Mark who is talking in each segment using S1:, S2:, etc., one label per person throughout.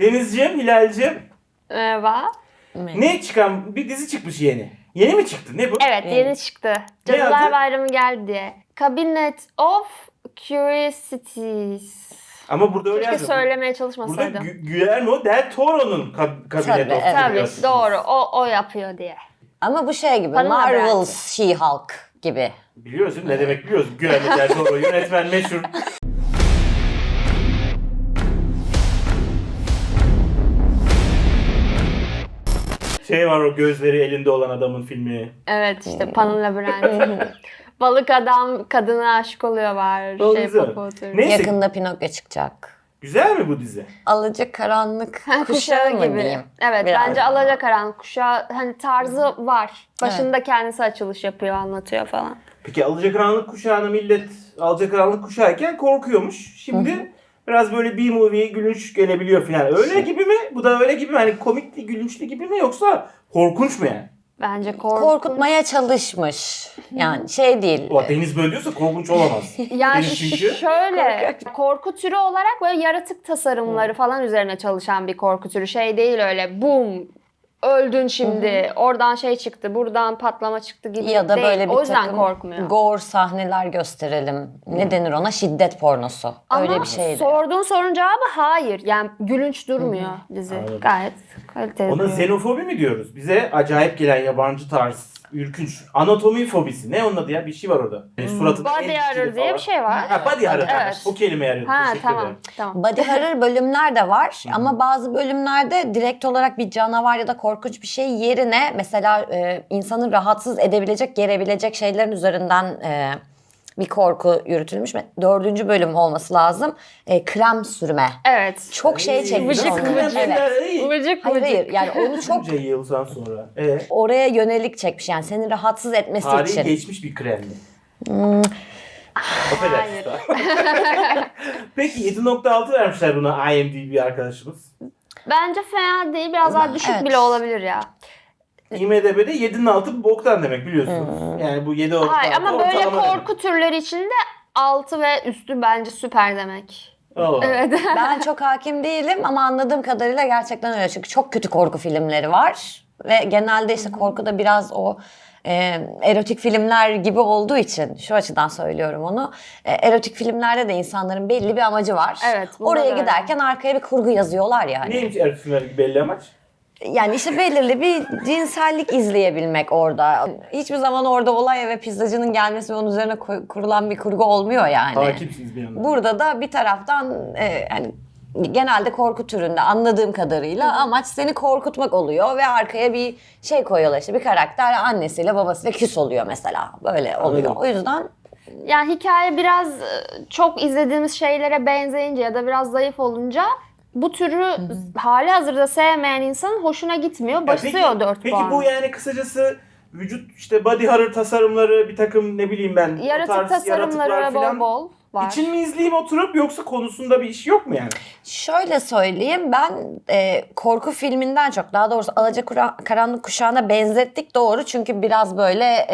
S1: Denizciğim, Hilal'cim.
S2: Merhaba.
S1: Ne çıkan bir dizi çıkmış yeni. Yeni mi çıktı? Ne bu?
S2: Evet, yeni çıktı. Cadılar Bayramı geldi diye. Cabinet of Curiosities.
S1: Ama burada öyle
S2: Keşke
S1: yazıyor.
S2: söylemeye
S1: Burada
S2: çalışmasaydım.
S1: Guillermo del Toro'nun Cabinet of
S2: Tabii,
S1: Curiosities.
S2: doğru. O yapıyor diye.
S3: Ama bu şey gibi,
S2: Bana haber
S3: Marvel's She-Hulk gibi.
S1: Biliyorsun ne demek biliyorsun. Guillermo del Toro yönetmen meşhur. Şey var o gözleri elinde olan adamın filmi.
S2: Evet, işte Pan'ın Labirenti. Balık adam kadına aşık oluyor var.
S1: O
S2: Şey
S1: güzel.
S2: Popotur.
S1: Neyse.
S3: Yakında Pinokyo çıkacak.
S1: Güzel mi bu dizi?
S3: Alacakaranlık
S2: Kuşağı
S3: kuşağı mı
S2: gibi.
S3: diyeyim?
S2: Evet,
S3: Biraz.
S2: bence Alacakaranlık kuşağı hani tarzı var. Başında kendisi açılış yapıyor, anlatıyor falan.
S1: Peki Alacakaranlık kuşağına millet Alacakaranlık kuşağıyken korkuyormuş. Şimdi biraz böyle B-movie gülünç gelebiliyor falan. Öyle gibi mi? Bu da öyle gibi mi? Hani komikli, gülünçlü gibi mi yoksa korkunç mu yani?
S2: Bence
S3: Korkutmaya çalışmış. Yani şey değil.
S1: O Deniz böyle diyorsa korkunç olamaz.
S2: Yani
S1: Deniz çünkü.
S2: şöyle korku türü olarak böyle yaratık tasarımları falan üzerine çalışan bir korku türü. Şey değil öyle boom öldün şimdi oradan şey çıktı buradan patlama çıktı gibi
S3: Ya da
S2: değil.
S3: böyle bir
S2: O yüzden
S3: takım
S2: korkmuyor.
S3: gore sahneler gösterelim. Ne denir ona? Şiddet pornosu. Öyle
S2: Ama
S3: bir şeydi.
S2: sorduğun sorunun cevabı hayır. Yani gülünç durmuyor dizi.
S1: Anladım.
S2: Gayet kaliteli.
S1: Ona
S2: duruyor.
S1: xenofobi mi diyoruz? Bize acayip gelen yabancı tarz, ürkünç. Anatomi fobisi. Ne onun adı ya? Bir şey var orada. Yani suratında
S2: Body
S1: el
S2: horror
S1: dikili
S2: diye
S1: falan.
S2: bir şey var.
S1: Ha body horror.
S2: Evet.
S1: O kelimeyi arıyordum.
S2: Ha
S1: Teşekkür
S2: tamam
S1: ederim.
S2: tamam.
S3: Body horror bölümler de var ama bazı bölümlerde direkt olarak bir canavar ya da korkunç bir şey yerine mesela insanı rahatsız edebilecek, gerebilecek şeylerin üzerinden bir korku yürütülmüş. 4. bölüm olması lazım. Krem sürme.
S2: Evet.
S3: Çok şey çekmiş
S2: vıcık
S3: onları.
S2: vıcık.
S3: Evet.
S2: Vıcık
S3: Hayır
S2: vıcık.
S3: hayır yani onu çok
S1: Bunca yıldan sonra.
S3: oraya yönelik çekmiş yani seni rahatsız etmesi
S1: Tarihi
S3: için.
S1: geçmiş bir kremli. Affedersiniz. Peki 7.6 vermişler buna IMDb arkadaşımız.
S2: Bence fena değil. Biraz daha düşük
S3: Evet.
S2: bile olabilir ya.
S1: IMDb'de 7'nin altı boktan demek biliyorsunuz. Yani bu 7
S2: Hayır ama böyle
S1: ortalama
S2: korku türleri içinde 6 ve üstü bence süper demek.
S1: demek. Allah.
S2: Evet.
S3: Ben çok hakim değilim ama anladığım kadarıyla gerçekten öyle. Çünkü çok kötü korku filmleri var. Ve genelde işte korku da biraz o erotik filmler gibi olduğu için şu açıdan söylüyorum onu. Erotik filmlerde de insanların belli bir amacı var.
S2: Evet, bunda
S3: Oraya
S2: da öyle.
S3: giderken arkaya bir kurgu yazıyorlar yani.
S1: Neymiş Ertuğrul filmlerdeki belli amaç?
S3: Yani işte belirli bir cinsellik izleyebilmek orada. Hiçbir zaman orada olay ve pizzacının gelmesi ve onun üzerine kurulan bir kurgu olmuyor yani.
S1: Hakimsiniz bir yandan.
S3: Burada da bir taraftan hani genelde korku türünde anladığım kadarıyla amaç seni korkutmak oluyor ve arkaya bir şey koyuyorlar işte bir karakter annesiyle babasıyla küs oluyor mesela böyle oluyor.
S1: Anladım.
S3: O yüzden
S2: Yani hikaye biraz çok izlediğimiz şeylere benzeyince ya da biraz zayıf olunca bu türü hali hazırda sevmeyen insanın hoşuna gitmiyor. Basıyor 4
S1: Peki
S2: puan.
S1: bu yani kısacası vücut işte body horror tasarımları bir takım ne bileyim ben o
S2: Yaratık
S1: tarz
S2: tasarımları
S1: yaratıklar
S2: bol
S1: falan
S2: bol var.
S1: için mi izleyeyim oturup yoksa konusunda bir iş yok mu yani?
S3: şöyle söyleyeyim ben korku filminden çok daha doğrusu Alacakaranlık Kuşağı'na benzettik doğru çünkü biraz böyle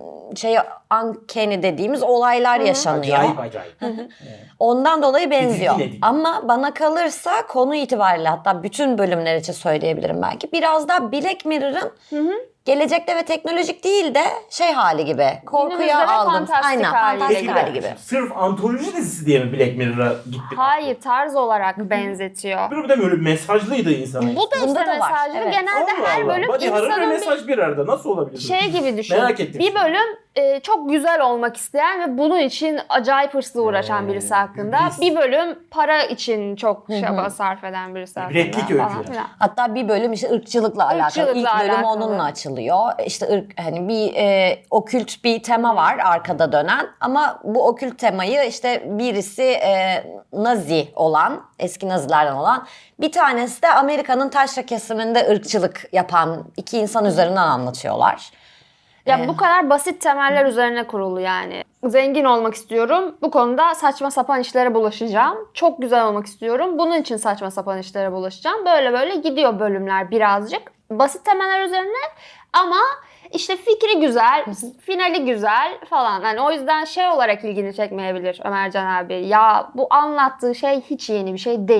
S3: uncanny dediğimiz olaylar yaşanıyor.
S1: Acayip.
S3: Ondan dolayı benziyor.
S1: Tedirgin edici.
S3: Ama bana kalırsa konu itibariyle hatta bütün bölümler için söyleyebilirim belki. Biraz daha Black Mirror'ın gelecekte ve teknolojik değil de şey hali gibi. Korkuya
S2: Günümüzde ve
S3: aldım.
S2: fantastik
S3: Aynen
S2: hali.
S3: fantastik
S1: Peki
S3: hali gibi.
S1: sırf antoloji dizisi diye mi Black Mirror'a gittik?
S2: Hayır, tarz olarak benzetiyor.
S1: Bir de böyle mesajlıydı insana.
S2: Bu da işte
S3: Bunda da var,
S2: mesajlı.
S3: evet.
S2: Genelde her bölüm
S1: Body horror ve
S2: insanın bir
S1: mesaj bir arada. Nasıl olabilir?
S2: şey gibi düşün.
S1: Merak ettim.
S2: Bir bölüm çok güzel olmak isteyen ve bunun için acayip hırslı uğraşan birisi hakkında.
S1: iblis.
S2: Bir bölüm para için çok çaba sarf eden birisi hakkında.
S1: Replik öykü
S2: falan
S1: yani.
S2: filan.
S3: Hatta bir bölüm işte ırkçılıkla alakalı.
S2: Irkçılıkla
S3: İlk bölüm
S2: alakalı.
S3: onunla açılıyor. İşte hani bir okült bir tema var arkada dönen. Ama bu okült temayı işte birisi Nazi olan, eski Nazilerden olan, bir tanesi de Amerika'nın taşra kesiminde ırkçılık yapan iki insan üzerinden anlatıyorlar.
S2: Ya bu kadar basit temeller üzerine kurulu yani. Zengin olmak istiyorum. Bu konuda saçma sapan işlere bulaşacağım. Çok güzel olmak istiyorum. Bunun için saçma sapan işlere bulaşacağım. Böyle böyle gidiyor bölümler birazcık. Basit temeller üzerine ama işte fikri güzel, finali güzel falan. Yani o yüzden şey olarak ilgini çekmeyebilir Ömercan abi. Ya bu anlattığı şey hiç yeni bir şey değil.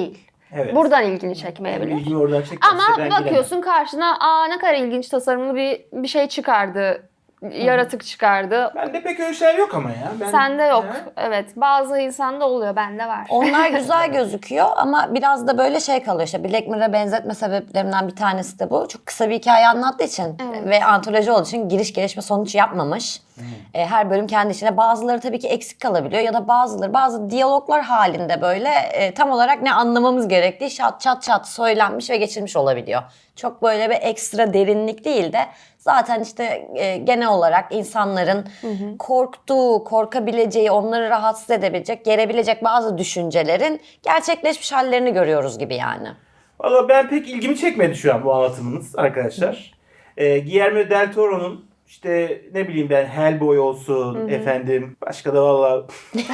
S1: Evet.
S2: Buradan ilgini
S1: Yani
S2: çekmeyebilir.
S1: ilgimi oradan çekmezse
S2: Ama
S1: ben
S2: bakıyorsun karşına ne kadar ilginç tasarımlı bir şey çıkardı. Yaratık çıkardı.
S1: Bende pek öyle şeyler yok ama ya.
S2: Sende yok.
S1: Ha?
S2: Evet. Bazı insanda oluyor. Bende var.
S3: Onlar güzel gözüküyor ama biraz da böyle şey kalıyor işte. Black Mirror'a benzetme sebeplerinden bir tanesi de bu. Çok kısa bir hikaye anlattığı için
S2: Evet.
S3: ve antoloji olduğu için giriş gelişme sonuç yapmamış. Her bölüm kendi içinde. Bazıları tabii ki eksik kalabiliyor ya da bazı diyaloglar halinde böyle tam olarak ne anlamamız gerektiği çat söylenmiş ve geçilmiş olabiliyor. Çok böyle bir ekstra derinlik değil de zaten işte genel olarak insanların korktuğu, korkabileceği, onları rahatsız edebilecek, gerebilecek bazı düşüncelerin gerçekleşmiş hallerini görüyoruz gibi yani.
S1: Valla ben pek ilgimi çekmedi şu an bu anlatımınız arkadaşlar. Guillermo del Toro'nun işte ne bileyim ben Hellboy olsun efendim. Başka da valla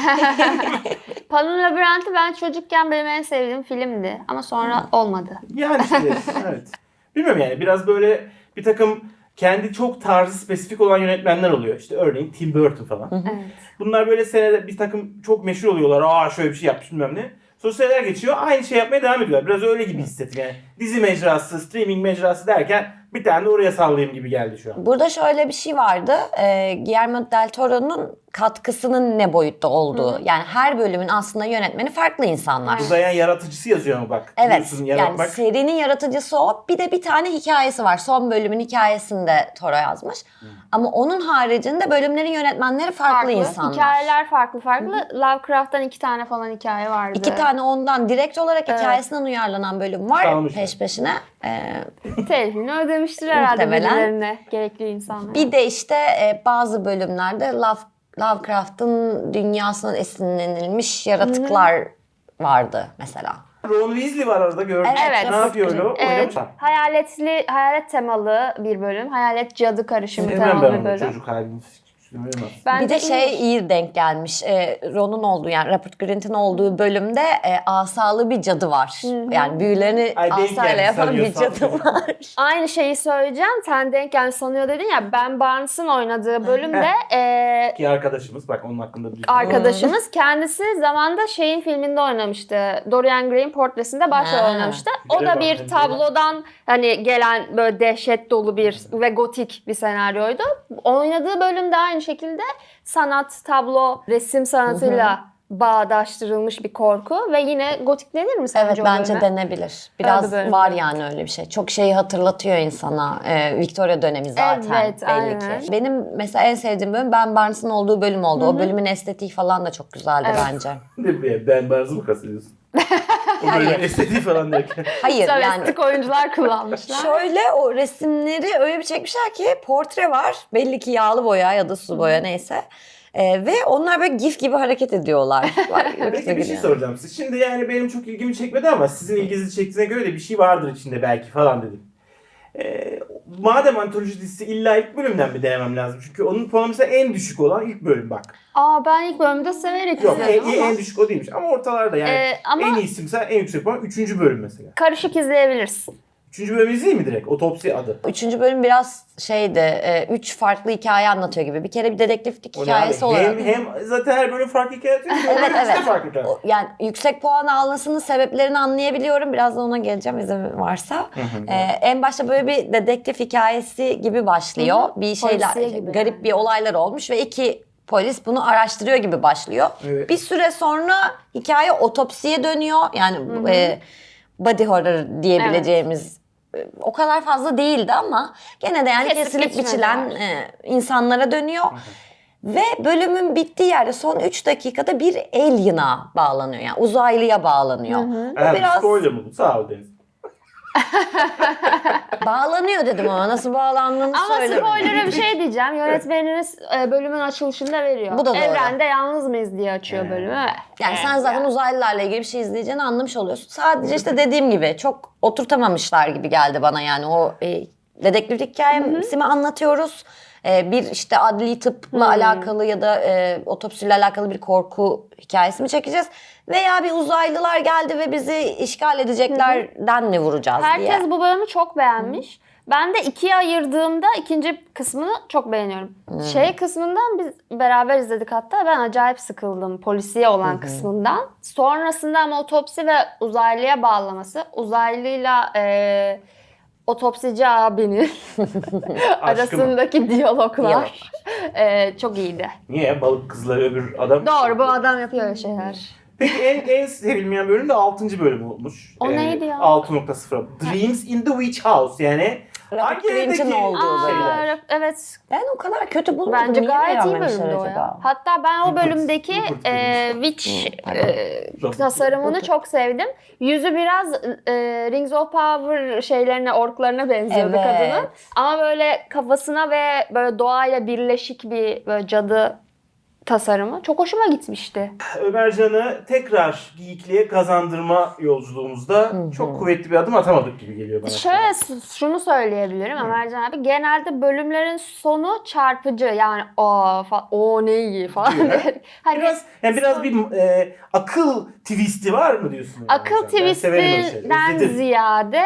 S2: Pan'ın Labirenti ben çocukken benim en sevdiğim filmdi. Ama sonra olmadı.
S1: yani işte evet. Bilmiyorum yani biraz böyle bir takım kendi çok tarzı spesifik olan yönetmenler oluyor. İşte örneğin Tim Burton falan.
S2: Evet.
S1: Bunlar böyle senede bir takım çok meşhur oluyorlar. Aa şöyle bir şey yapmış bilmem ne. Sonra seneler geçiyor. Aynı şey yapmaya devam ediyorlar. Biraz öyle gibi hissettim yani. Dizi mecrası, streaming mecrası derken bir tane de oraya sallayayım gibi geldi şu an.
S3: Burada şöyle bir şey vardı. Guillermo del Toro'nun katkısının ne boyutta olduğu. Yani her bölümün aslında yönetmeni farklı insanlar.
S1: Uzayan yaratıcısı yazıyor ama bak.
S3: Evet,
S1: Biliyorsun,
S3: yani
S1: yaratmak.
S3: serinin yaratıcısı o. Bir de bir tane hikayesi var. Son bölümün hikayesini de Toro yazmış. Ama onun haricinde bölümlerin yönetmenleri farklı insanlar.
S2: Hikayeler farklı. Lovecraft'tan 2 tane falan hikaye vardı.
S3: 2 tane ondan direkt olarak hikayesinden uyarlanan bölüm var
S1: Kalmış.
S3: peş peşine.
S2: Telifini ödemiştir herhalde
S3: Muhtemelen.
S2: birilerine. Gerekli insanlar.
S3: Bir de işte bazı bölümlerde Lovecraft'ın dünyasından esinlenilmiş yaratıklar vardı mesela.
S1: Ron Weasley var arada gördüm.
S2: Evet.
S1: Ne yapıyor öyle? Oynamış mı?
S2: Hayalet temalı bir bölüm. Hayalet cadı karışımı
S1: Sevmem ben
S2: temalı bir
S1: onu
S2: bölüm.
S1: çocuk halini. Sevmem.
S2: Bence
S3: Bir de şey
S2: iyi.
S3: iyi denk gelmiş. Ron'un olduğu yani Rupert Grint'in olduğu bölümde asalı bir cadı var. Yani büyülerini
S1: Ay, denk
S3: asayla
S1: geldi,
S3: yapan bir
S1: sanıyorsam.
S3: cadı var.
S2: Aynı şeyi söyleyeceğim. Sen denk geldi sanıyor dedin ya. Ben Barnes'ın oynadığı bölümde
S1: Ki arkadaşımız bak onun hakkında bir
S2: arkadaşımız kendisi zamanda şeyin filminde oynamıştı. Dorian Gray'in portresinde başrol
S3: Ha.
S2: oynamıştı. O
S1: Güzel
S2: da
S1: bak,
S2: bir
S1: güzel.
S2: tablodan hani gelen böyle dehşet dolu bir ve gotik bir senaryoydu. Oynadığı bölümde aynı şekilde sanat, tablo, resim sanatıyla bağdaştırılmış bir korku ve yine gotik denir mi sence
S3: Evet
S2: o
S3: bence
S2: bölüme?
S3: denebilir. Biraz
S2: bölüm.
S3: var yani öyle bir şey. Çok şeyi hatırlatıyor insana. Victoria dönemi zaten
S2: Evet,
S3: belli
S2: aynen.
S3: ki. Benim mesela en sevdiğim bölüm Ben Barnes'ın olduğu bölüm oldu. O bölümün estetiği falan da çok güzeldi
S2: Evet.
S3: bence.
S1: Ben Barzı mı kastediyorsun? O böyle estetiği falan derken.
S3: Hayır yani
S2: Travestik oyuncular kullanmışlar.
S3: şöyle o resimleri öyle bir çekmişler ki portre var. Belli ki yağlı boya ya da su boya neyse. Ve onlar böyle gif gibi hareket ediyorlar.
S1: Peki bir şey soracağım size. Şimdi yani benim çok ilgimi çekmedi ama sizin ilginizi çektiğine göre de bir şey vardır içinde belki falan dedim. Madem antoloji dizisi illa ilk bölümden mi denemem lazım? Çünkü onun puanı mesela en düşük olan ilk bölüm bak.
S2: Ben ilk bölümde severek
S1: Yok
S2: izledim ama
S1: en düşük o değilmiş ama ortalarda yani.
S2: ama
S1: En iyisi mesela en yüksek puan 3. bölüm mesela.
S2: karışık izleyebilirsin.
S1: 3. bölüm izleyeyim mi direkt? Otopsi adı.
S3: 3. bölüm biraz şeydi. 3 farklı hikaye anlatıyor gibi. Bir kere bir dedektiflik
S1: O ne
S3: hikayesi
S1: abi?
S3: olarak.
S1: Hem zaten her bölüm farklı hikaye atıyor.
S3: Evet, evet.
S1: Farklı hikaye.
S3: Yani yüksek puan almasının sebeplerini anlayabiliyorum. Birazdan ona geleceğim izin varsa. En başta böyle bir dedektif hikayesi gibi başlıyor. Bir şeyler,
S2: Polisiye gibi
S3: garip
S2: yani.
S3: bir olaylar olmuş ve 2 polis bunu araştırıyor gibi başlıyor.
S1: Evet.
S3: Bir süre sonra hikaye otopsiye dönüyor. Yani body horror diyebileceğimiz o kadar fazla değildi ama gene de yani
S2: Kesip
S3: kesilip
S2: biçmedi
S3: biçilen
S2: var.
S3: insanlara dönüyor. Ve bölümün bittiği yerde son 3 dakikada bir alien'a bağlanıyor. Yani uzaylıya bağlanıyor. Bu
S1: Evet,
S3: biraz
S1: spoiler mı bu? Sağ ol Deniz.
S3: bağlanıyor dedim ama nasıl bağlandığını
S2: Ama
S3: söylemedim.
S2: spoiler'a bir şey diyeceğim. Yönetmeniniz bölümün açılışında veriyor.
S3: Bu da doğru.
S2: Evrende yalnız mıyız diye açıyor bölümü.
S3: Yani sen zaten uzaylılarla ilgili bir şey izleyeceğini anlamış oluyorsun. Sadece işte dediğim gibi çok oturtamamışlar gibi geldi bana yani o dedektiflik hikayesini anlatıyoruz. Bir işte adli tıpla alakalı ya da otopsiyle alakalı bir korku hikayesi mi çekeceğiz? Veya bir uzaylılar geldi ve bizi işgal edeceklerden mi vuracağız diye.
S2: Herkes bu bölümü çok beğenmiş. Ben de ikiye ayırdığımda ikinci kısmını çok beğeniyorum. Şey kısmından biz beraber izledik hatta. Ben acayip sıkıldım polisiye olan kısmından. Sonrasında ama otopsi ve uzaylıya bağlaması. Uzaylıyla otopsici abinin arasındaki diyaloglar çok iyiydi.
S1: Niye? Balık kızları öbür adam.
S2: Doğru, bu adam yapıyor öyle şeyler.
S1: Peki en sevilmeyen bölüm de 6. bölüm olmuş.
S2: O neydi ya?
S1: 6.0. Dreams in the Witch House. Yani hangi
S3: Lynch'in
S1: evdeki
S3: olduğu
S1: şeyler?
S2: Evet.
S3: Ben o kadar kötü bulmadım.
S2: Bence
S3: Niye
S2: gayet iyi
S3: beğenmemişler
S2: bölümdü o
S3: acaba?
S2: ya. Hatta ben o bölümdeki
S1: Rupert
S2: Witch
S1: Robert.
S2: tasarımını çok sevdim. Yüzü biraz Rings of Power şeylerine, orklarına benziyordu
S3: Evet.
S2: kadının. Ama böyle kafasına ve böyle doğayla birleşik bir böyle cadı tasarımı çok hoşuma gitmişti.
S1: Ömercan'ı tekrar geyikliğe kazandırma yolculuğumuzda çok kuvvetli bir adım atamadık gibi geliyor bana.
S2: Şöyle şunu söyleyebilirim Ömercan abi. Genelde bölümlerin sonu çarpıcı. Yani o ne iyi falan. Hani
S1: Biraz bir akıl twisti var mı diyorsun?
S2: akıl
S1: Ömercan? Ben severim öyle şeyleri.
S2: twistinden
S1: İzledim.
S2: ziyade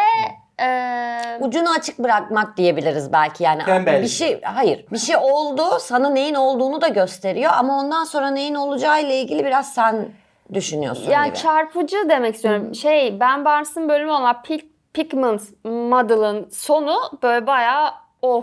S3: Ucunu açık bırakmak diyebiliriz belki yani.
S1: Tembellik.
S3: Bir şey oldu, sana neyin olduğunu da gösteriyor ama ondan sonra neyin olacağı ile ilgili biraz sen düşünüyorsun
S2: yani
S3: gibi.
S2: çarpıcı demek istiyorum. Ben Barnes'ın bölümü olan Pigment Model'ın sonu böyle bayağı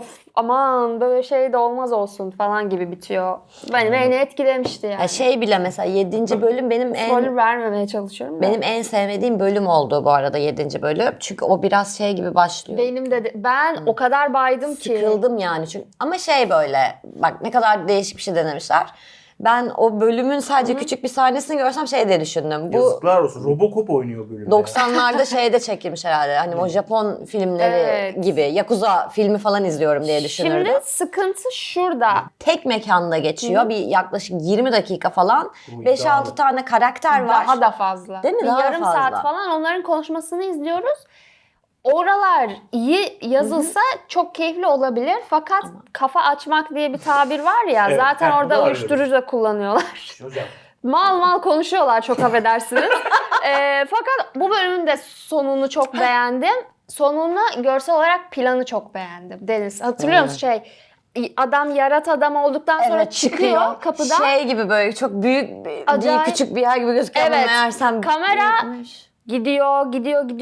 S2: aman böyle şey de olmaz olsun falan gibi bitiyor. Beni etkilemişti yani.
S3: Ya şey bile mesela 7. bölüm
S2: Spoiler vermemeye çalışıyorum da.
S3: benim en sevmediğim bölüm oldu bu arada 7. bölüm. Çünkü o biraz şey gibi başlıyor.
S2: Benim de ben o kadar baydım ki.
S3: Sıkıldım yani çünkü ama şey böyle bak ne kadar değişik bir şey denemişler. Ben o bölümün sadece küçük bir sahnesini görsem şey diye düşündüm. Bu
S1: Yazıklar olsun. Robocop oynuyor bölümde.
S3: 90'larda şeyde çekilmiş herhalde. Hani o Japon filmleri
S2: Evet.
S3: gibi. Yakuza filmi falan izliyorum diye düşünürdüm.
S2: Şimdi sıkıntı şurada.
S3: Tek mekanda geçiyor. Bir yaklaşık 20 dakika falan.
S1: Uy,
S3: 5-6
S1: daha-
S3: tane karakter var.
S2: Daha da fazla.
S3: Değil mi?
S2: Bir
S3: Daha
S2: yarım
S3: fazla.
S2: saat falan onların konuşmasını izliyoruz. Oralar iyi yazılsa çok keyifli olabilir. Fakat kafa açmak diye bir tabir var ya.
S1: Evet,
S2: zaten
S1: bu da
S2: orada
S1: var
S2: uyuşturucu da kullanıyorlar.
S1: Hocam.
S2: Mal konuşuyorlar, çok affedersiniz. Fakat bu bölümün de sonunu çok beğendim. Sonunu görsel olarak planı çok beğendim. Deniz hatırlıyor musun adam yarat adam olduktan sonra
S3: Evet,
S2: çıkıyor kapıdan.
S3: Şey gibi böyle çok büyük
S2: Acayip.
S3: değil küçük bir yer gibi gözüküyor ama
S2: Evet,
S3: meğersem
S2: kamera
S3: büyükmüş.
S2: gidiyor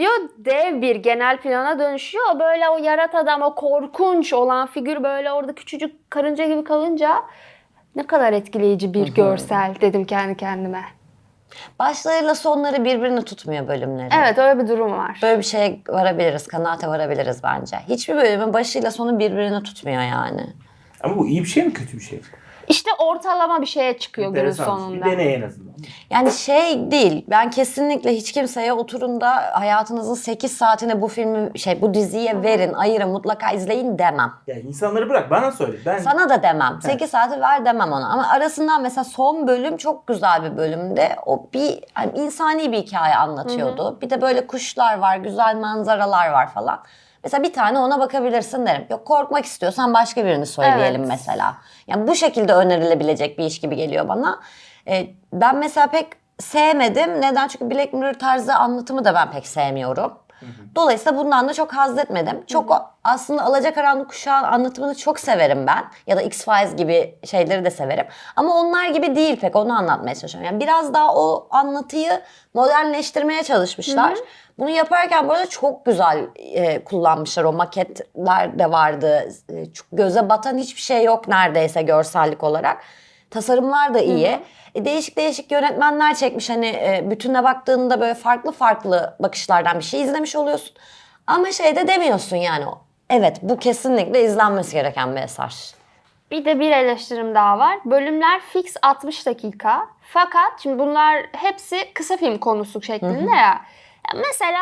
S2: dev bir genel plana dönüşüyor. Böyle o yarat adam, o korkunç olan figür böyle orada küçücük karınca gibi kalınca ne kadar etkileyici bir görsel dedim kendi kendime.
S3: Başlarıyla sonları birbirini tutmuyor bölümleri.
S2: Evet, öyle bir durum var.
S3: Böyle bir şeye varabiliriz, kanaate varabiliriz bence. Hiçbir bölümün başıyla sonu birbirini tutmuyor yani.
S1: Ama bu iyi bir şey mi kötü bir şey mi?
S2: İşte ortalama bir şeye çıkıyor günün
S1: Enteresan.
S2: sonunda.
S1: Bir deney en azından.
S3: Yani şey değil, ben kesinlikle hiç kimseye oturun da hayatınızın 8 saatini bu diziye verin, ayırın, mutlaka izleyin demem.
S1: Yani insanları bırak bana söyle. Ben
S3: Sana da demem. 8 saati ver demem ona. Ama arasından mesela son bölüm çok güzel bir bölümde. O bir hani insani bir hikaye anlatıyordu. Bir de böyle kuşlar var, güzel manzaralar var falan. Mesela bir tane ona bakabilirsin derim. Yok korkmak istiyorsan başka birini söyleyelim
S2: Evet.
S3: mesela. Yani bu şekilde önerilebilecek bir iş gibi geliyor bana. Ben mesela pek sevmedim. Neden? Çünkü Black Mirror tarzı anlatımı da ben pek sevmiyorum. Dolayısıyla bundan da çok haz etmedim. Aslında Alacakaranlık Kuşağı anlatımını çok severim ben. Ya da X-Files gibi şeyleri de severim. Ama onlar gibi değil pek, onu anlatmaya çalışıyorum. Yani biraz daha o anlatıyı modernleştirmeye çalışmışlar. Bunu yaparken bu arada çok güzel kullanmışlar. O maketler de vardı. Çok göze batan hiçbir şey yok neredeyse görsellik olarak. Tasarımlar da iyi. Değişik değişik yönetmenler çekmiş. Hani bütüne baktığında böyle farklı farklı bakışlardan bir şey izlemiş oluyorsun. Ama şey de demiyorsun yani. Evet, bu kesinlikle izlenmesi gereken bir eser.
S2: Bir de bir eleştirim daha var. Bölümler fix 60 dakika. Fakat şimdi bunlar hepsi kısa film konusu şeklinde ya. Mesela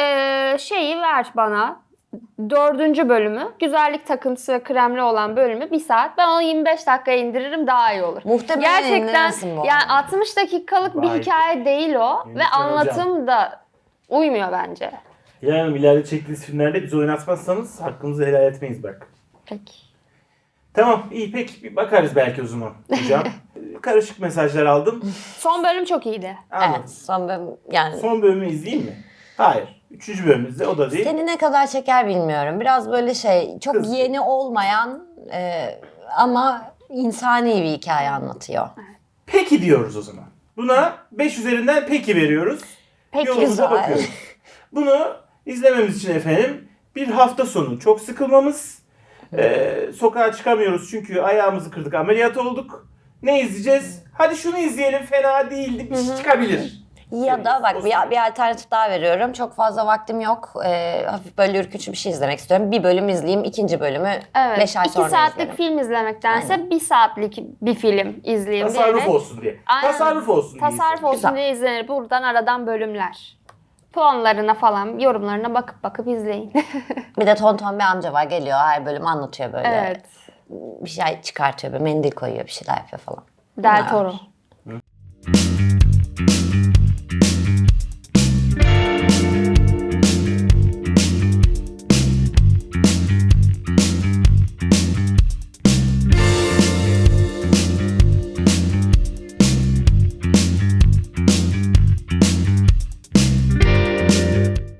S2: şeyi ver bana. 4. bölümü, güzellik takıntısı ve kremli olan bölümü 1 saat. Ben onu 25 dakikaya indiririm, daha iyi olur.
S3: Muhtemelen
S2: Gerçekten
S3: indirirsin bu
S2: yani
S3: arada.
S2: 60 dakikalık bir
S1: Vay.
S2: hikaye değil o. Ve
S1: Yönetmen
S2: anlatım da uymuyor bence.
S1: Hilal Hanım ileride çektiğiniz filmlerde bizi oynatmazsanız hakkınızı helal etmeyiz bak.
S2: Peki.
S1: Tamam iyi peki bir bakarız belki o zaman hocam. Karışık mesajlar aldım.
S2: Son bölüm çok iyiydi.
S1: Anladım.
S3: Evet, son bölüm yani
S1: Son bölümü izleyeyim mi? Hayır. 3. bölümümüzde o da değil.
S3: Seni ne kadar çeker bilmiyorum. Biraz böyle çok
S1: Kız.
S3: yeni olmayan ama insani bir hikaye anlatıyor.
S1: Peki diyoruz o zaman. Buna 5 üzerinden peki veriyoruz.
S2: Peki,
S1: Yolumuza
S3: güzel.
S1: bakıyoruz. Bunu izlememiz için efendim bir hafta sonu çok sıkılmamız. Sokağa çıkamıyoruz çünkü ayağımızı kırdık, ameliyat olduk. Ne izleyeceğiz? Hadi şunu izleyelim, fena değildi, bir şey çıkabilir.
S3: Ya da bak
S1: O
S3: bir alternatif daha veriyorum. Çok fazla vaktim yok. Hafif böyle ürkütücü bir şey izlemek istiyorum. Bir bölüm izleyeyim, ikinci bölümü
S2: Evet.
S3: 5 ay
S2: 2
S3: sonra
S2: saatlik
S3: izlerim.
S2: film izlemektense 1 saatlik bir film izleyeyim
S1: Tasarruf
S2: diyerek.
S1: olsun diye.
S2: Aynen.
S1: Tasarruf olsun diye.
S2: Tasarruf olsun
S3: Güzel.
S2: diye izlenir. Buradan aradan bölümler. Puanlarına falan, yorumlarına bakıp izleyin.
S3: Bir de tonton bir amca var, geliyor her bölüm anlatıyor böyle.
S2: Evet.
S3: Bir şey çıkartıyor, böyle mendil koyuyor, bir şeyler yapıyor falan.
S2: Del
S3: Bunlar
S2: Toro.
S3: var.